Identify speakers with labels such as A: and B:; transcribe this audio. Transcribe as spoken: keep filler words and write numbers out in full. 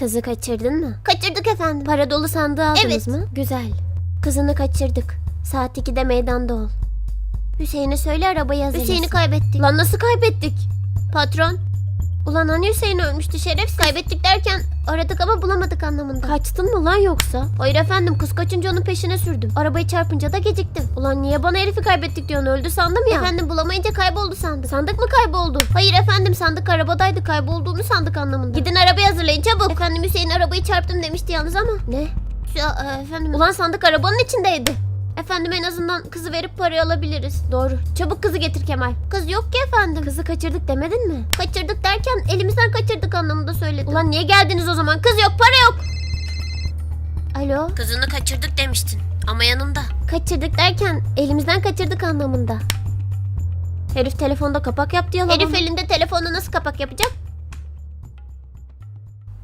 A: Kızı kaçırdın mı?
B: Kaçırdık efendim.
A: Para dolu sandığı aldınız
B: Evet.
A: mı? Güzel. Kızını kaçırdık. Saat ikide meydanda ol. Hüseyin'e söyle arabayı hazırlasın.
B: Hüseyin'i kaybettik.
A: Lan nasıl kaybettik?
B: Patron.
A: Ulan hani Hüseyin ölmüştü şerefsiz.
B: Kaybettik derken aradık ama bulamadık anlamında.
A: Kaçtın mı lan yoksa?
B: Hayır efendim, kız kaçınca onun peşine sürdüm. Arabayı çarpınca da geciktim.
A: Ulan niye bana herifi kaybettik diyorsun, öldü sandım ya.
B: Efendim bulamayınca kayboldu sandık.
A: Sandık mı kayboldu?
B: Hayır efendim, sandık arabadaydı, kaybolduğunu sandık anlamında.
A: Gidin arabayı hazırlayın çabuk.
B: Efendim Hüseyin arabayı çarptım demişti yalnız ama.
A: Ne?
B: Şu, e, efendim.
A: Ulan sandık arabanın içindeydi.
B: Efendim en azından kızı verip parayı alabiliriz.
A: Doğru. Çabuk kızı getir Kemal.
B: Kız yok ki efendim.
A: Kızı kaçırdık demedin mi?
B: Kaçırdık derken elimizden kaçırdık anlamında söyledim.
A: Ulan niye geldiniz o zaman? Kız yok, para yok. Alo?
B: Kızını kaçırdık demiştin ama yanımda.
A: Kaçırdık derken elimizden kaçırdık anlamında. Herif telefonda kapak yaptı yalan
B: Herif
A: ama.
B: elinde telefonu nasıl kapak yapacak?